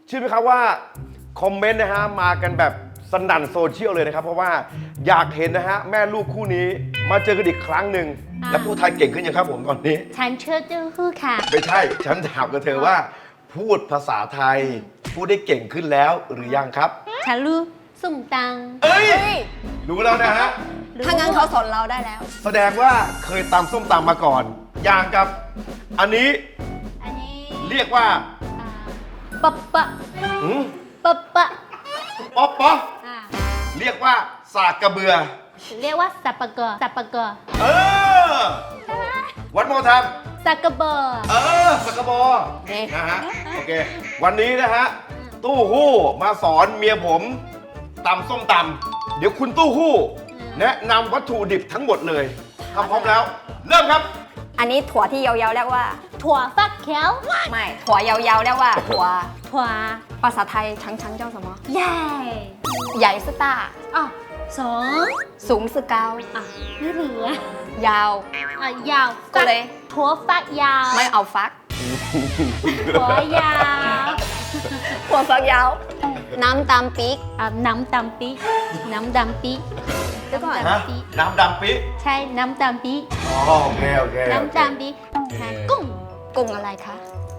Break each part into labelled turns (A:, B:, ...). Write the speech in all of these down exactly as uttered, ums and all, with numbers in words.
A: เชื่อไหมครับว่าคอมเมนต์นะฮะมากันแบบสนั่นโซเชียลเลยนะครับเพราะว่าอยากเห็นนะฮะแม่ลูกคู่นี้มาเจอกันอีกครั้งหนึ่งและพูดไทยเก่งขึ้นยังครับผมตอนนี้
B: ฉันเชื่อเจ้าฮู้ค่ะ
A: ไม่ใช่ฉันถามกับเธอว่า พูดภาษาไทย พูดได้เก่งขึ้นแล้วหรือยังครับ
B: ฉันรู้สุ่มตัง
A: เอ้ย
C: เฮ้ย
A: รู้แล้วนะฮะ
C: ถ้างั้นเขาสอนเราได้แล้ว
A: แสดงว่าเคยตำส้มตำมาก่อน อย่างกับ อันนี้
B: อันนี้
A: เรียกว่า
B: อ่าปะปะ
A: หืม
B: ปะปะ
A: ป๊อปป๊อ
B: อ่า
A: เรียกว่าสากกระเบือ
B: เรียกว่าสับปะเกอสับปะเกอ
A: เออ วันโมทำ
B: สักกะเบอร์
A: เออสกกระบอ
C: นี่
A: นะฮะ โอเค วันนี้นะฮะ ตู้หู้มาสอนเมียผมตำส้มตำเดี๋ยวคุณตู้หู้ แนะนำวัตถุดิบทั้งหมดเลยทำพร้อมแล้ว เริ่มครับ
C: อันนี้ถั่วที่ยาวๆเรียกว่า
B: ถั่วฟักเขียว
C: ไม่ ถั่วยาวๆเรียกว่า ถั่ว
B: ถั่ว
C: ภาษาไทยชังชังเจ้าสมอ
B: ใหญ่
C: ใหญ่สตา
B: อ่ะสอง
C: สูงสกาว
B: อ่ะไม่เหลือย
C: าว
B: อ่ะยาว
C: ก็เลย
B: ถั่วฟักยาว
C: ไม่เอาฟัก
B: ถั่วยาว
C: ถั่วฟักยาว น้ำตามปีก
B: อ่ะน้ำดำปีน้ำดำปี
C: เดี๋ยวก่อน
A: ฮะ
B: น้ำดำปี
A: น้ำดำปิ
B: ใช่น้ำดำปี
A: อ๋อโอเค โอเคโอเค
B: น้ำดำปีใช่กุ้ง
C: กุ้งอะไรคะ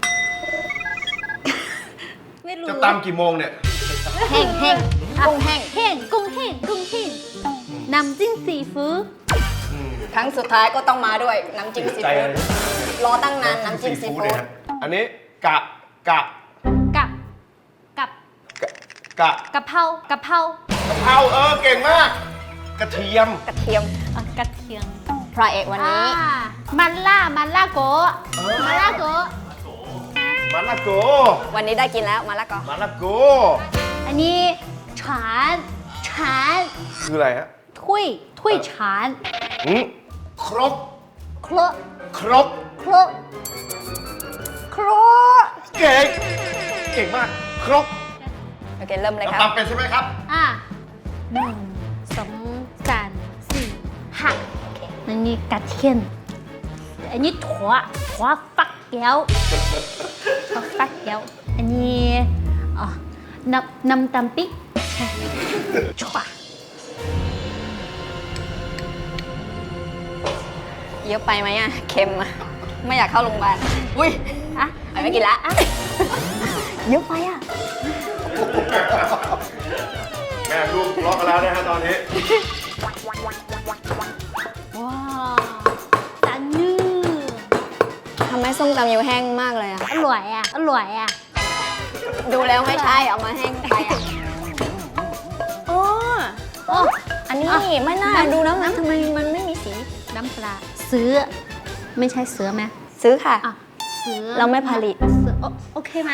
B: ไม่รู้
A: จะตำกี่โมงเนี่ย
C: แห้งแห้งกุ้งแห้ง
B: แห้งกุ้งแห้งกุ้งแห้งน้ำจิ้มซีฟู้ด
C: ครั้งสุดท้ายก็ต้องมาด้วยน้ำจิ้มซี
A: ใจ
C: ฟู้
A: เล
C: ด
A: ย
C: รอตั้งนานน้ำจิ้มซีฟู้
A: เนี่ย
C: ด
A: ฮะอันนี้กะ กะ
B: กับกับ
A: กะ กะ
B: กะเพรากะเพราก
A: ะเพราเออ เก่งมาก กระเทียม
C: กระเทียม
B: อ่ะกระเทียม
C: พระเอกวันนี้
B: อ่ามันล่ามันล่าโกะ
A: เออ
B: มันล่าโกะ
A: มะละโก
C: วันนี้ได้กินแล้วมาละก็
A: มะละโก
B: อันนี้ฉานฉาน
A: คืออะไรฮะ
B: ถ้วยถ้วยฉาน
A: หืมครก
B: ครก
A: ครก
B: ครกครก
A: เก่ง เก่งมาก ครก
C: โอเคเริ่มเลยครับ
A: ตำเป็นใช่ไหมครับ
B: อ่ะหนึ่งสองสามสี่ห้าอันนี้กระเทียมอันนี้ถั่วถั่วฟักแก้วถั่วฟักแก้วอันนี้อ๋อน้ำน้ำตำปิ๊กใช่ชั่ว
C: เยอะไปไหมอ่ะ เค็มอ่ะ ไม่อยากเข้าโรงพยาบาล อุ้ย
B: อ่ะ
C: ไปไม่กินละ
B: อ่ะเยอะไปอ่ะ
A: แม่ลูกทะเลาะกันแล้วนะฮะตอนนี้
B: ว้าวจานยืด
C: ทำไมส้มตำยูแห้งมากเลยอ่ะ
B: อร่อยอ่ะ อร่อยอ่ะ
C: ดูแล้วไม่ใช่เอามาแห้งไปอ่ะอ๋อ
B: โอ้
C: อันนี้
B: อ่ะ
C: ไม่น่า
B: น้ำ
C: ดูแล้วนะทำไมมันไม่มีสี
B: น้ำปลาเสือไม่ใช่เสือไหม
C: ซื้อค่ะ
B: อ่ะเสือ
C: เราไม่ผลิต
B: เสือโอโอเคไหม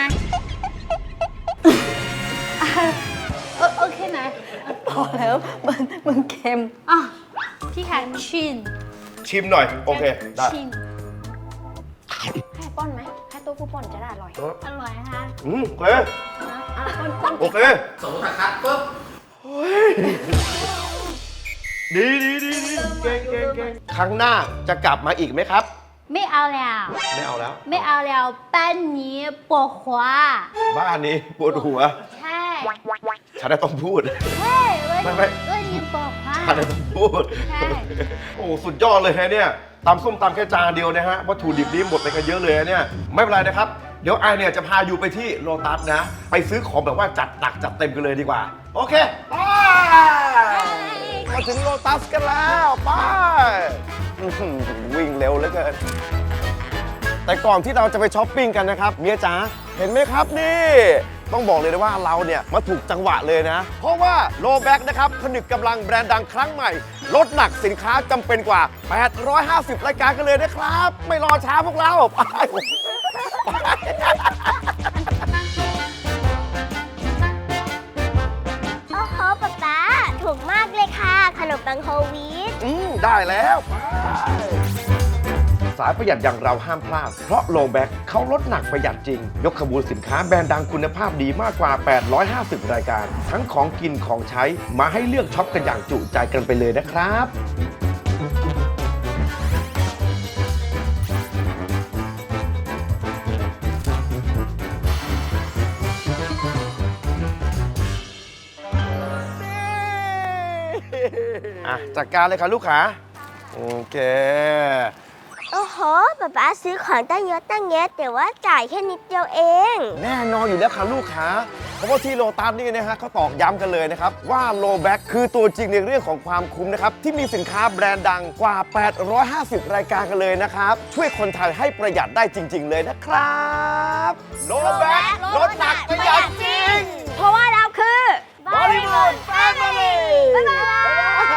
B: อ่ะโอโอเคไหม
C: พอแล้วมันมันเค็ม
B: อ่ะพี่แคนชิน
A: ชิมหน่อย โอเค ได้
B: ชิน
C: ให้ป้อนไหมให้ตัวผู้ป้อนจะได้อร่อย
B: อร่อยฮะ
A: อืมโอเค
C: อ่ะป้อนป้อน
A: โอเค
D: สมมติคัดปุ๊บ
A: ดีดีดีดีเก่งเก่งเก่งครั้งหน้าจะกลับมาอีกไหมครับ
B: ไม่เอาแล้ว
A: ไม่เอาแล้ว
B: ไม่เอาแล้วบ้านนี้ปวดหัว
A: บ้านนี้ปวดหัว
B: ใช่
A: ฉันน่ะต้องพูด
B: ใช่วัน
A: ไม่ไม่
B: วันนี้ปวดหัว
A: ฉันน่ะต้องพูด
B: ใช่
A: โอ้สุดยอดเลยฮะเนี่ยตำส้มตำแค่จานเดียวนะฮะวัตถุดิบนี้หมดไปกันเยอะเลยนะเนี่ยไม่เป็นไรนะครับ เดี๋ยวไอเนี่ยจะพาอยู่ไปที่โลตัสนะ ไปซื้อของแบบว่าจัดหนักจัดเต็มกันเลยดีกว่า โอเคไปมาถึงโลตัสกันแล้วไปอื้อหือวิ่งเร็วเหลือเกินแต่ก่อนที่เราจะไปช้อปปิ้งกันนะครับเมียจ๋าเห็นไหมครับนี่ ต้องบอกเลยนะว่าเราเนี่ยมาถูกจังหวะเลยนะ เพราะว่าโลแบ็กนะครับผนึกกำลังแบรนด์ดังครั้งใหม่ ลดหนักสินค้าจำเป็นกว่า แปดร้อยห้าสิบ รายการกันเลยนะครับ ไม่รอช้าพวกเราไปไป
E: โอ้โหป๊าป๊าถูกมากเลยค่ะ ขนมปังโฮลวีต
A: อืมได้แล้วไปสายประหยัดอย่างเราห้ามพลาด เพราะโลแบ็กเขาลดหนักประหยัดจริง ยกขบวนสินค้าแบรนด์ดังคุณภาพดีมากกว่า แปดร้อยห้าสิบ รายการ ทั้งของกินของใช้มาให้เลือกช็อปกันอย่างจุใจกันไปเลยนะครับอ่ะจัดการเลยค่ะลูกค้าโอเค
E: โอ้โหป๊าป๊าซื้อของตั้งเยอะตั้งแยะแต่ว่าจ่ายแค่นิดเดียวเอง
A: แน่นอนอยู่แล้วค่ะลูกค้า เพราะว่าที่โลตัสนี่นะฮะเขาตอกย้ำกันเลยนะครับ ว่าโลแบ็คคือตัวจริงในเรื่องของความคุ้มนะครับ ที่มีสินค้าแบรนด์ดังกว่า แปดร้อยห้าสิบ รายการกันเลยนะครับ ช่วยคนไทยให้ประหยัดได้จริง ๆ เลยนะครับโลแบ็คลดหนักประหยัดจริง
C: เพราะว่าเราคือ
A: บริบูรณ์แฟมิลี่
E: บ๊ายบาย